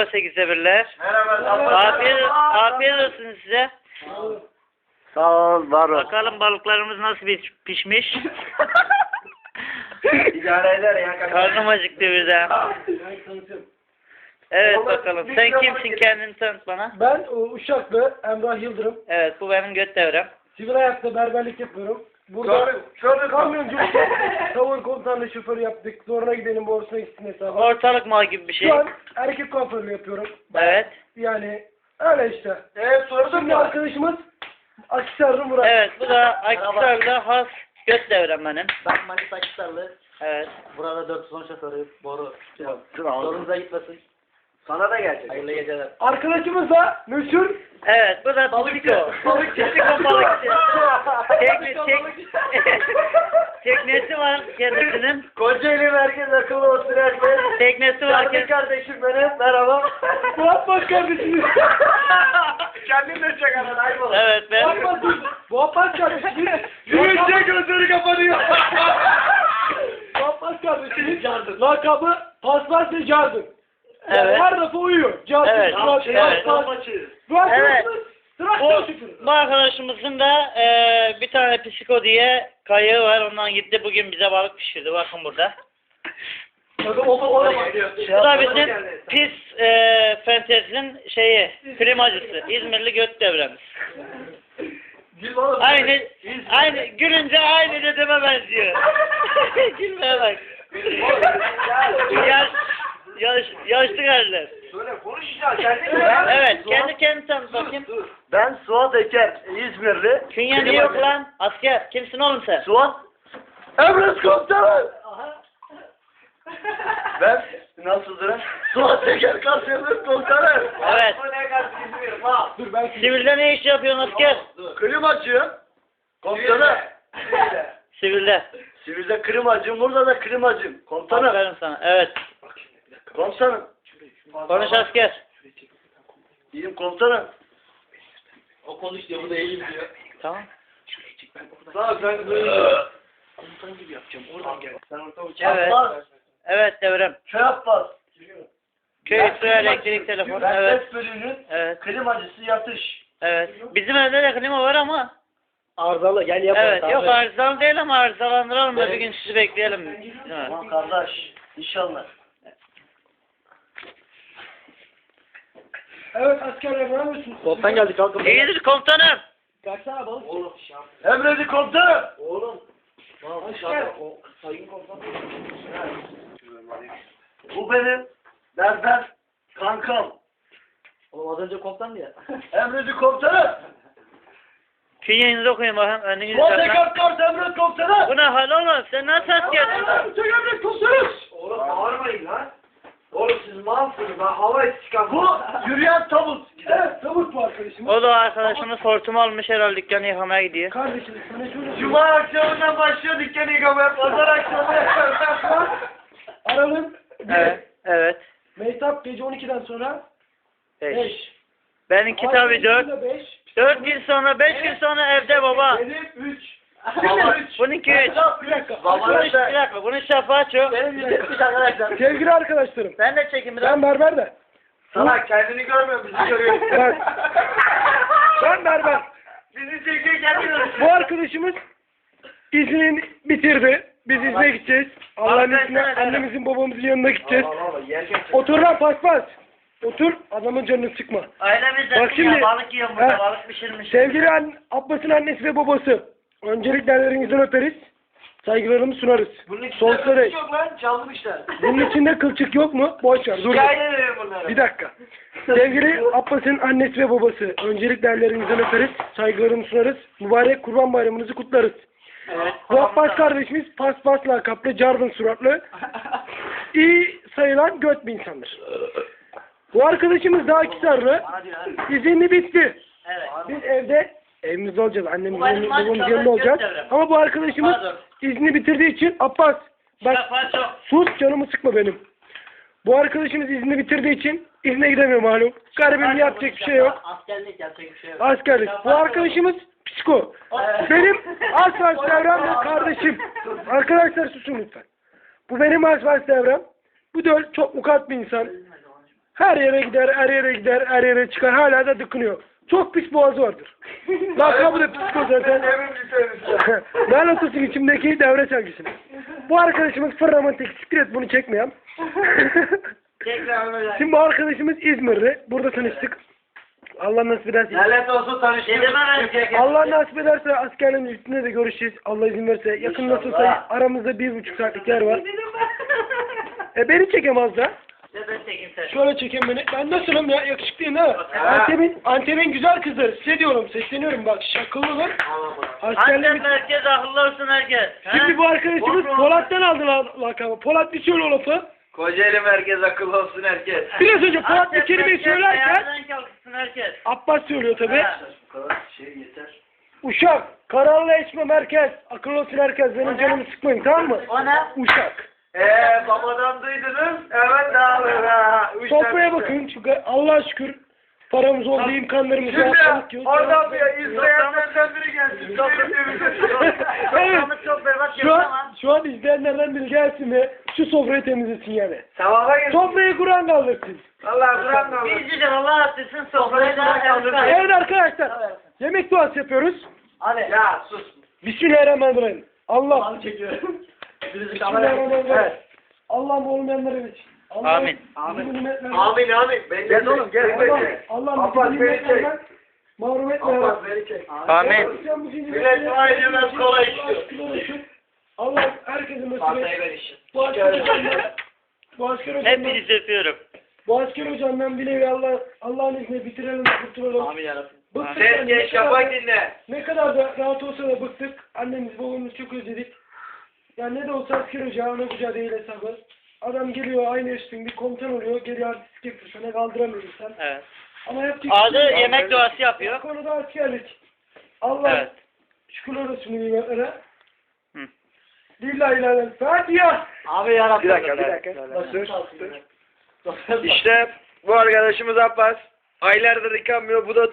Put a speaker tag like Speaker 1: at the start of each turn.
Speaker 1: Merhaba 8'e birler.
Speaker 2: Merhaba.
Speaker 1: Afiyet olsun size.
Speaker 2: Sağ ol, var ol.
Speaker 1: Bakalım balıklarımız nasıl pişmiş.
Speaker 2: İdare eder ya.
Speaker 1: Karnım acıktı birden. Evet bakalım. Sen kimsin, kendini tanıt bana.
Speaker 3: Ben Uşaklı Emrah Yıldırım.
Speaker 1: Evet, bu benim göt devrem.
Speaker 3: Sivil ayakta berberlik yapıyorum. Burada kamyoncu, tavır komutanlı şoför yaptık. Zoruna gidelim borusuna gitsin hesabı.
Speaker 1: Ortalık mal gibi bir şey.
Speaker 3: Şu an erkek kuaförlüğü yapıyorum.
Speaker 1: Evet.
Speaker 3: Yani öyle işte.
Speaker 2: Sordum
Speaker 3: Şimdi arkadaşımız Akisarlı Murat.
Speaker 1: Evet, bu da Akhisar'da has göt devrem benim.
Speaker 4: Ben Manisa Akhisarlı.
Speaker 1: Evet.
Speaker 4: Burada 410 şoförü. Boru.
Speaker 2: Sorunuza
Speaker 4: Sorunuza gitmesin.
Speaker 2: sana da gelecek.
Speaker 4: Hayırlı geceler.
Speaker 3: Arkadaşımız da meşhur
Speaker 1: Evet, bu da Psiko. Psiko balıkçı. Teknesi var kendisinin.
Speaker 2: Kocaeli merkez akıllı olsun herkes.
Speaker 1: Teknesi var
Speaker 2: Canım kardeşim benim. Merhaba.
Speaker 3: Murat Baş kardeşimiz.
Speaker 2: Kendin de çek anan ayıp
Speaker 1: Evet, ben.
Speaker 3: Murat Baş kardeşimiz.
Speaker 2: Yürüyünce gözleri kapanıyor.
Speaker 3: Murat Baş kardeşimiz. Lakabı Paspas ve Cardın.
Speaker 1: Evet.
Speaker 3: Her defa uyuyor. Cardın.
Speaker 1: Evet. Evet.
Speaker 3: Bu arkadaşımız
Speaker 1: Evet.
Speaker 3: traktör şoförü.
Speaker 1: Bu arkadaşımızın da bir tane Psiko diye kayığı var. Ondan gitti bugün bize balık pişirdi. Bakın burada. Bu da bizim pis fentezinin primacısı. İzmirli göt devremiz. Aynı gülünce aynı dedeme benziyor. Gülmeye bak. Yaşlı geldiler.
Speaker 2: Söyle konuşacağız. Kendin
Speaker 1: Evet, kendi tanıt bakayım.
Speaker 2: Ben Suat Eker, İzmirli.
Speaker 1: Künye niye yok lan? Asker. Kimsin oğlum sen?
Speaker 2: Suat. Emret komutanım. Ben nasıldır? Suat Eker, Kasya'nın komutanım.
Speaker 1: Evet.
Speaker 3: Dur ben
Speaker 1: Sivilde ne iş yapıyorsun asker?
Speaker 2: Klimacı. Komutanım.
Speaker 1: Sivilde.
Speaker 2: Sivilde klimacım, burada da klimacım. Komutanım.
Speaker 1: Aferin sana. Evet.
Speaker 2: Komutanım.
Speaker 1: Konuş asker.
Speaker 2: İyiyim komutanım.
Speaker 4: O konuş diyor, bu da iyiyim diyor.
Speaker 1: Tamam.
Speaker 2: Sağ ol sen
Speaker 4: Komutan gibi yapacağım, oradan gel.
Speaker 2: Sen orta
Speaker 1: Evet.
Speaker 2: Abbas.
Speaker 1: Evet devrem.
Speaker 2: Köy Abbas.
Speaker 1: Köy su elektrik telefon.
Speaker 2: Ben
Speaker 1: Evet.
Speaker 2: ses bölümünün
Speaker 1: Evet.
Speaker 2: klimacısı yatış.
Speaker 1: Evet. Bizim evde de klima var ama.
Speaker 4: Arızalı, gel yapalım.
Speaker 1: Evet. Yok arızalı değil ama arızalandıralım da bir gün sizi bekleyelim. Evet.
Speaker 2: Tamam kardeş. İnşallah.
Speaker 3: Evet askerler ne yapıyorsunuz?
Speaker 4: Komutan geldi, kalkın.
Speaker 1: İyidir komutanım.
Speaker 3: Kaçsana balık.
Speaker 4: Oğlum.
Speaker 2: Emredi komutanım.
Speaker 4: Oğlum.
Speaker 3: Asker.
Speaker 4: Sayın komutan.
Speaker 2: Bu benim berber kankam.
Speaker 4: Oğlum az önce komutan ya.
Speaker 2: Emredi komutanım.
Speaker 1: Künyenizi okuyun bakayım. Önünüzü
Speaker 2: Suat
Speaker 1: saklan.
Speaker 2: Eker kart emret komutanım.
Speaker 1: Bu ne hal oğlum? Sen nasıl askersin?
Speaker 2: Sen emret komutanım. Oğlum bağırmayın lan. Oğlum siz malsınız. Ben hava çıkan. Bu yürüyen tavuk.
Speaker 3: Evet tavuk bu arkadaşımız.
Speaker 1: O da arkadaşımız hortumu almış herhalde dükkanı yıkamaya gidiyor.
Speaker 3: Kardeşimiz sana şöyle
Speaker 2: Cuma akşamından başlıyor dükkanı yıkamaya. Pazar akşamı yapıyoruz.
Speaker 3: Aralığın
Speaker 1: Evet. Evet.
Speaker 3: Mehtap gece 12'den sonra
Speaker 1: 5.
Speaker 3: 5.
Speaker 1: Benimki tabii 4.
Speaker 3: 5.
Speaker 1: 4 gün sonra 5 gün sonra evde baba.
Speaker 3: Benim 3.
Speaker 1: Bununki 3.
Speaker 3: Bir dakika.
Speaker 1: Bir dakika. Bunun şafağı çok.
Speaker 4: Benim yüzleşmiş arkadaşlar.
Speaker 3: Sevgili arkadaşlarım.
Speaker 1: Ben de çekim biraz.
Speaker 3: Ben berber de.
Speaker 2: Salak kendini görmüyor bizi görüyor.
Speaker 3: Evet. Ben berber.
Speaker 2: Bizi çekiyor kendini.
Speaker 3: Bu arkadaşımız iznini bitirdi. Biz izne gideceğiz. Allah'ın izniyle annemizin babamızın yanına gideceğiz. Otur lan paspas. Otur adamın canını sıkma.
Speaker 1: Ailemizde
Speaker 3: Bak şimdi-
Speaker 1: balık yiyor burada.
Speaker 3: He.
Speaker 1: Balık pişirmiş.
Speaker 3: Sevgili Abbas'ın annesi ve babası. Öncelikle ellerinizden öperiz. Saygılarımızı sunarız. Sonsuza dek.
Speaker 2: Yok lan çaldım işte.
Speaker 3: Bunun içinde kılçık yok mu? Boş ver. Dur.
Speaker 2: Hikaye veriyorum bunlara.
Speaker 3: Bir dakika. Sevgili Abbas'ın annesi ve babası. Öncelikle ellerinizden öperiz. Saygılarımızı sunarız. Mübarek Kurban Bayramınızı kutlarız.
Speaker 1: Evet.
Speaker 3: Bu Abbas kardeşimiz paspas lakaplı, carbın suratlı, iyi sayılan göt bir insandır. Bu arkadaşımız da Akhisarlı. İzinli bitti.
Speaker 1: Evet.
Speaker 3: Biz evimizde olacağız.
Speaker 1: Bu
Speaker 3: Annemizin
Speaker 1: benim
Speaker 3: babamızın
Speaker 1: maçlarım
Speaker 3: yanında olacağız.
Speaker 1: göt
Speaker 3: Ama bu arkadaşımız
Speaker 1: Pardon.
Speaker 3: izni bitirdiği için Abbas bak
Speaker 1: Şafağı çok.
Speaker 3: sus canımı sıkma benim. Bu arkadaşımız izni bitirdiği için izne gidemiyor malum. Garibim yapacak bir şey yok.
Speaker 4: Askerlik yapacak bir şey yok.
Speaker 3: Askerlik. Bu arkadaşımız psiko. Benim Asfalt Devrem ve kardeşim. Arkadaşlar susun lütfen. Bu benim Asfalt Devrem. Bu da çok mukat bir insan. Her yere gider, her yere gider, her yere çıkar. Hala da dıkınıyor. Çok pis boğazı vardır. Lakabı da psiko zaten. Lanet olsun içimdeki devre çalgısını. Bu arkadaşımız fırlamantik. Siktir et bunu çekmeyen. Şimdi bu arkadaşımız İzmirli. Burada tanıştık. Allah nasip ederse.
Speaker 2: Lanet olsun tanıştığımız.
Speaker 3: Allah nasip ederse askerliğin üstünde de görüşeceğiz. Allah izin verirse. Yakın nasılsa aramızda 1,5 saatlik yer var. Beni çekemez da.
Speaker 1: Ben çekeyim sen.
Speaker 3: Şöyle çekeyim beni. Ben nasılım ya? Yakışıklıyım ha? Antep'in güzel kızları. Size diyorum. Sesleniyorum bak. Şakıllılar. Askerliğimiz...
Speaker 1: Antep herkes akıllı olsun herkes.
Speaker 3: Şimdi bu arkadaşımız Polat'tan aldı lakabı. Polat bir söyle o lafı.
Speaker 2: Kocaeli merkez akıllı olsun herkes.
Speaker 3: Biraz önce Polat bir kelimeyi söylerken
Speaker 1: Ayağından kalksın herkes.
Speaker 3: Abbas söylüyor tabi.
Speaker 1: Ha.
Speaker 2: Bu kadar şey yeter.
Speaker 3: Uşak, kararlı içme merkez. Akıllı olsun herkes. Benim canımı sıkmayın tamam mı?
Speaker 1: O ne?
Speaker 3: Uşak.
Speaker 2: Babadan duydunuz. Evet dağılır.
Speaker 3: Sofraya bakın çünkü Allah'a şükür paramız oldu, imkanlarımız var. Sağlık yok.
Speaker 2: Oradan bir izleyenlerden biri gelsin.
Speaker 3: Evet.
Speaker 1: Soframız çok berbat
Speaker 3: Şu
Speaker 1: yok
Speaker 3: an,
Speaker 1: ama.
Speaker 3: şu an izleyenlerden biri gelsin ve şu sofrayı temizlesin yani.
Speaker 2: Sevaba gelsin.
Speaker 3: Sofrayı Kur'an kaldırsın.
Speaker 2: Allah Kur'an da alır.
Speaker 1: Bizce Allah attırsın sofrayı da kaldırsın.
Speaker 3: Evet arkadaşlar, yemek duası yapıyoruz.
Speaker 4: Hadi.
Speaker 2: Ya sus.
Speaker 3: Bismillahirrahmanirrahim. Allah.
Speaker 4: Abi çekiyorum. Birisi kamera.
Speaker 3: Bismillahirrahmanirrahim.
Speaker 4: Evet.
Speaker 3: Allah'ım olmayanlara ver.
Speaker 1: Amin.
Speaker 2: Amin amin. Gel oğlum gel.
Speaker 3: Allah'ım
Speaker 2: Abbas
Speaker 3: bizi
Speaker 2: beni çek.
Speaker 3: nimetlerden mahrum etme ya
Speaker 2: Abbas
Speaker 3: Rabbi.
Speaker 2: beni çek.
Speaker 1: Amin.
Speaker 2: Millet dua edemez, kolay işliyor.
Speaker 3: Allah herkesin
Speaker 2: Pastayı
Speaker 3: nasip
Speaker 2: ver işin.
Speaker 3: Bu asker hocamdan, bu asker hocamdan,
Speaker 1: Hepinizi öpüyorum.
Speaker 3: bu asker hocamdan bir nevi Allah'ın izniyle bitirelim, kurtulalım.
Speaker 4: Amin yarabbim.
Speaker 3: Bıktık
Speaker 2: Sen
Speaker 3: yani,
Speaker 2: geç şafak dinle.
Speaker 3: ne kadar da rahat olsa da bıktık. Annemiz babamız çok özledik. Yani ne de olsa asker hoca, ana hoca değil hesabı. Adam geliyor aynı yaşın bir komutan oluyor, geliyor artistik yapıyor. Sana kaldıramıyor insan.
Speaker 1: Evet.
Speaker 3: Ama yapacak
Speaker 1: Adı
Speaker 3: bir şey yok.
Speaker 1: yemek duası
Speaker 3: Bu
Speaker 1: yapıyor.
Speaker 3: konuda askerlik. Allah
Speaker 1: Evet.
Speaker 3: şükürler olsun nimetlere.
Speaker 1: Hı.
Speaker 3: Lillahi ilahe Fatiha.
Speaker 4: Abi yarabbim.
Speaker 2: Bir dakika. İşte bu arkadaşımız Abbas. Aylardır yıkanmıyor. Bu da